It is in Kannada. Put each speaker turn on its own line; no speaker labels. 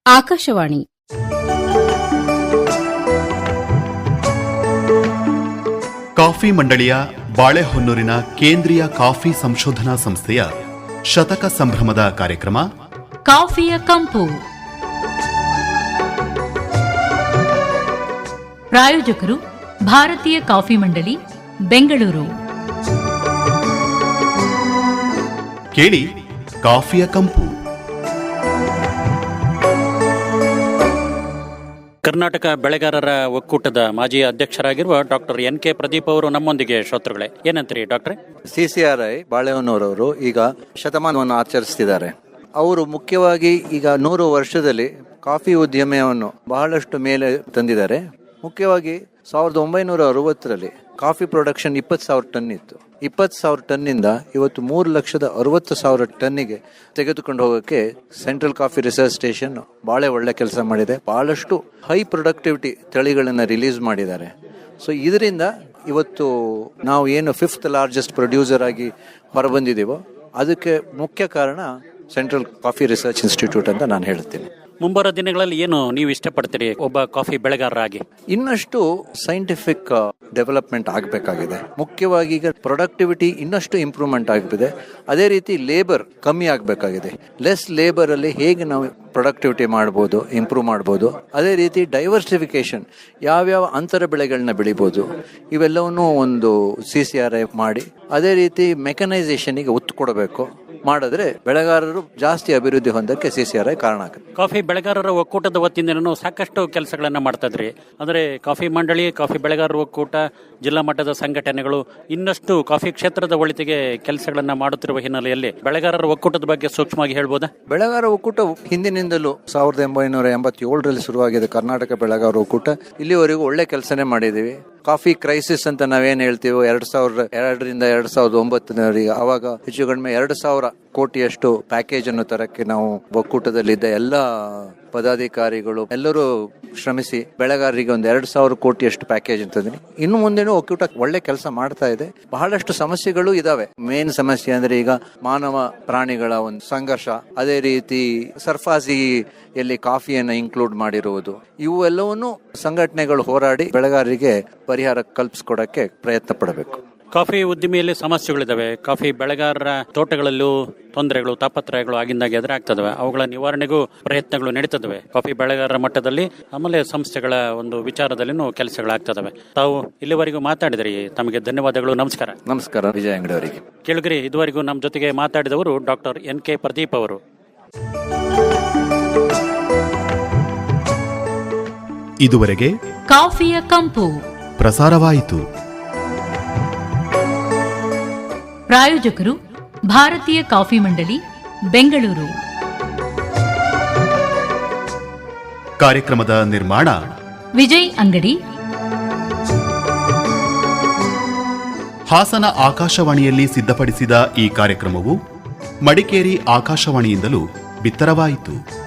ಆಕಾಶವಾಣಿ
ಕಾಫಿ ಮಂಡಳಿಯ ಬಾಳೆಹೊನ್ನೂರಿನ ಕೇಂದ್ರೀಯ ಕಾಫಿ ಸಂಶೋಧನಾ ಸಂಸ್ಥೆಯ ಶತಕ ಸಂಭ್ರಮದ ಕಾರ್ಯಕ್ರಮ
ಕಾಫಿಯ ಕಂಪು. ಪ್ರಾಯೋಜಕರು ಭಾರತೀಯ ಕಾಫಿ ಮಂಡಳಿ, ಬೆಂಗಳೂರು.
ಕೇಳಿ ಕಾಫಿಯ ಕಂಪು.
ಕರ್ನಾಟಕ ಬೆಳೆಗಾರರ ಒಕ್ಕೂಟದ ಮಾಜಿ ಅಧ್ಯಕ್ಷರಾಗಿರುವ ಡಾಕ್ಟರ್ ಎನ್.ಕೆ. ಪ್ರದೀಪ್ ಅವರು ನಮ್ಮೊಂದಿಗೆ ಶ್ರೋತೃಗಳೇ. ಏನಂತೀರಿ ಡಾಕ್ಟ್ರೆ?
CCRI ಬಾಳೆಹೊನ್ನೂರವರು ಈಗ ಶತಮಾನವನ್ನು ಆಚರಿಸ್ತಿದ್ದಾರೆ. ಅವರು ಮುಖ್ಯವಾಗಿ ಈಗ 100 ವರ್ಷದಲ್ಲಿ ಕಾಫಿ ಉದ್ಯಮವನ್ನು ಬಹಳಷ್ಟು ಮೇಲೆ ತಂದಿದ್ದಾರೆ. ಮುಖ್ಯವಾಗಿ 1960ರಲ್ಲಿ ಕಾಫಿ ಪ್ರೊಡಕ್ಷನ್ 20,000 ಟನ್ ಇತ್ತು. 20,000 ಟನ್ನಿಂದ ಇವತ್ತು 3,60,000 ಟನ್ನಿಗೆ ತೆಗೆದುಕೊಂಡು ಹೋಗೋಕ್ಕೆ ಸೆಂಟ್ರಲ್ ಕಾಫಿ ರಿಸರ್ಚ್ ಸ್ಟೇಷನ್ ಭಾಳ ಒಳ್ಳೆ ಕೆಲಸ ಮಾಡಿದೆ. ಬಹಳಷ್ಟು ಹೈ ಪ್ರೊಡಕ್ಟಿವಿಟಿ ತಳಿಗಳನ್ನು ರಿಲೀಸ್ ಮಾಡಿದ್ದಾರೆ. ಸೊ ಇದರಿಂದ ಇವತ್ತು ನಾವು ಏನು 5th ಲಾರ್ಜೆಸ್ಟ್ ಪ್ರೊಡ್ಯೂಸರ್ ಆಗಿ ಹೊರಬಂದಿದ್ದೀವೋ ಅದಕ್ಕೆ ಮುಖ್ಯ ಕಾರಣ ಸೆಂಟ್ರಲ್ ಕಾಫಿ ರಿಸರ್ಚ್ ಇನ್ಸ್ಟಿಟ್ಯೂಟ್ ಅಂತ ನಾನು ಹೇಳ್ತೀನಿ.
ಮುಂಬರುವ ದಿನಗಳಲ್ಲಿ ಏನು ನೀವು ಇಷ್ಟಪಡ್ತೀರಿ ಒಬ್ಬ ಕಾಫಿ ಬೆಳೆಗಾರರಾಗಿ?
ಇನ್ನಷ್ಟು ಸೈಂಟಿಫಿಕ್ ಡೆವಲಪ್ಮೆಂಟ್ ಆಗಬೇಕಾಗಿದೆ. ಮುಖ್ಯವಾಗಿ ಈಗ ಪ್ರೊಡಕ್ಟಿವಿಟಿ ಇನ್ನಷ್ಟು ಇಂಪ್ರೂವ್ಮೆಂಟ್ ಆಗಿದೆ. ಅದೇ ರೀತಿ ಲೇಬರ್ ಕಮ್ಮಿ ಆಗಬೇಕಾಗಿದೆ. ಲೆಸ್ ಲೇಬರಲ್ಲಿ ಹೇಗೆ ನಾವು ಪ್ರೊಡಕ್ಟಿವಿಟಿ ಮಾಡ್ಬೋದು, ಇಂಪ್ರೂವ್ ಮಾಡ್ಬೋದು. ಅದೇ ರೀತಿ ಡೈವರ್ಸಿಫಿಕೇಶನ್, ಯಾವ್ಯಾವ ಅಂತರ ಬೆಳೆಗಳನ್ನ ಬೆಳಿಬೋದು, ಇವೆಲ್ಲವನ್ನೂ ಒಂದು CCRI ಮಾಡಿ ಅದೇ ರೀತಿ ಮೆಕನೈಸೇಷನ್ಗೆ ಒತ್ತು ಕೊಡಬೇಕು. ಮಾಡಿದ್ರೆ ಬೆಳೆಗಾರರು ಜಾಸ್ತಿ ಅಭಿವೃದ್ಧಿ ಹೊಂದಕ್ಕೆ CCRI ಕಾರಣ ಆಗುತ್ತೆ.
ಕಾಫಿ ಬೆಳೆಗಾರರ ಒಕ್ಕೂಟದ ವತಿಯಿಂದ ಸಾಕಷ್ಟು ಕೆಲಸಗಳನ್ನ ಮಾಡ್ತಾ ಇದ್ರಿ. ಅಂದ್ರೆ ಕಾಫಿ ಮಂಡಳಿ, ಕಾಫಿ ಬೆಳೆಗಾರರ ಒಕ್ಕೂಟ, ಜಿಲ್ಲಾ ಮಟ್ಟದ ಸಂಘಟನೆಗಳು ಇನ್ನಷ್ಟು ಕಾಫಿ ಕ್ಷೇತ್ರದ ಒಳಿತಿಗೆ ಕೆಲಸಗಳನ್ನ ಮಾಡುತ್ತಿರುವ ಹಿನ್ನೆಲೆಯಲ್ಲಿ ಬೆಳೆಗಾರರ ಒಕ್ಕೂಟದ ಬಗ್ಗೆ ಸೂಕ್ಷ್ಮವಾಗಿ ಹೇಳ್ಬೋದಾ?
ಬೆಳೆಗಾರ ಒಕ್ಕೂಟ ಹಿಂದಿನಿಂದಲೂ 1987ರಲ್ಲಿ ಶುರುವಾಗಿದೆ ಕರ್ನಾಟಕ ಬೆಳೆಗಾರ ಒಕ್ಕೂಟ. ಇಲ್ಲಿವರೆಗೂ ಒಳ್ಳೆ ಕೆಲಸನೇ ಮಾಡಿದೀವಿ. ಕಾಫಿ ಕ್ರೈಸಿಸ್ ಅಂತ ನಾವೇನ್ ಹೇಳ್ತೀವೋ 2002ರಿಂದ 2009 ಅವಾಗ ಹೆಚ್ಚು ಕಡಿಮೆ 2,000 ಕೋಟಿಯಷ್ಟು ಪ್ಯಾಕೇಜ್ ಅನ್ನು ತರಕ್ಕೆ ನಾವು ಒಕ್ಕೂಟದಲ್ಲಿದ್ದ ಎಲ್ಲ ಪದಾಧಿಕಾರಿಗಳು ಎಲ್ಲರೂ ಶ್ರಮಿಸಿ ಬೆಳೆಗಾರರಿಗೆ ಒಂದು 2,000 ಕೋಟಿಯಷ್ಟು ಪ್ಯಾಕೇಜ್ ಅಂತಂದ್ರೆ ಇನ್ನು ಮುಂದೆನೂ ಒಕ್ಕೂಟ ಒಳ್ಳೆ ಕೆಲಸ ಮಾಡ್ತಾ ಇದೆ. ಬಹಳಷ್ಟು ಸಮಸ್ಯೆಗಳು ಇದಾವೆ. ಮೇನ್ ಸಮಸ್ಯೆ ಅಂದ್ರೆ ಈಗ ಮಾನವ ಪ್ರಾಣಿಗಳ ಒಂದು ಸಂಘರ್ಷ, ಅದೇ ರೀತಿ ಸರ್ಫಾಸಿಯಲ್ಲಿ ಕಾಫಿಯನ್ನು ಇನ್ಕ್ಲೂಡ್ ಮಾಡಿರುವುದು, ಇವು ಎಲ್ಲವನ್ನೂ ಸಂಘಟನೆಗಳು ಹೋರಾಡಿ ಬೆಳೆಗಾರರಿಗೆ ಪರಿಹಾರ ಕಲ್ಪಿಸ್ಕೊಡಕ್ಕೆ ಪ್ರಯತ್ನ ಪಡಬೇಕು.
ಕಾಫಿ ಉದ್ದಿಮೆಯಲ್ಲಿ ಸಮಸ್ಯೆಗಳಿದಾವೆ. ಕಾಫಿ ಬೆಳೆಗಾರರ ತೋಟಗಳಲ್ಲೂ ತೊಂದರೆಗಳು, ತಾಪತ್ರಯಗಳು ಆಗಿಂದಾಗೆ ಎದುರಾಗ್ತದವೆ. ಅವುಗಳ ನಿವಾರಣೆಗೂ ಪ್ರಯತ್ನಗಳು ನಡೀತದವೆ ಕಾಫಿ ಬೆಳೆಗಾರರ ಮಟ್ಟದಲ್ಲಿ. ಆಮೇಲೆ ಸಂಸ್ಥೆಗಳ ಒಂದು ವಿಚಾರದಲ್ಲಿನೂ ಕೆಲಸಗಳಾಗ್ತದವೆ. ತಾವು ಇಲ್ಲಿವರೆಗೂ ಮಾತಾಡಿದ್ರಿ, ತಮಗೆ ಧನ್ಯವಾದಗಳು. ನಮಸ್ಕಾರ.
ನಮಸ್ಕಾರ ವಿಜಯ ಅಂಗಡಿ ಅವರಿಗೆ.
ಕೇಳುಗರಿ, ಇದುವರೆಗೂ ನಮ್ಮ ಜೊತೆಗೆ ಮಾತಾಡಿದವರು ಡಾಕ್ಟರ್ ಎನ್.ಕೆ. ಪ್ರದೀಪ್ ಅವರು.
ಇದುವರೆಗೆ
ಕಾಫಿಯ ಕಂಪು
ಪ್ರಸಾರವಾಯಿತು.
ಪ್ರಾಯೋಜಕರು ಭಾರತೀಯ ಕಾಫಿ ಮಂಡಳಿ, ಬೆಂಗಳೂರು.
ಕಾರ್ಯಕ್ರಮದ ನಿರ್ಮಾಣ
ವಿಜಯ್ ಅಂಗಡಿ.
ಹಾಸನ ಆಕಾಶವಾಣಿಯಲ್ಲಿ ಸಿದ್ಧಪಡಿಸಿದ ಈ ಕಾರ್ಯಕ್ರಮವು ಮಡಿಕೇರಿ ಆಕಾಶವಾಣಿಯಿಂದಲೂ ಬಿತ್ತರವಾಯಿತು.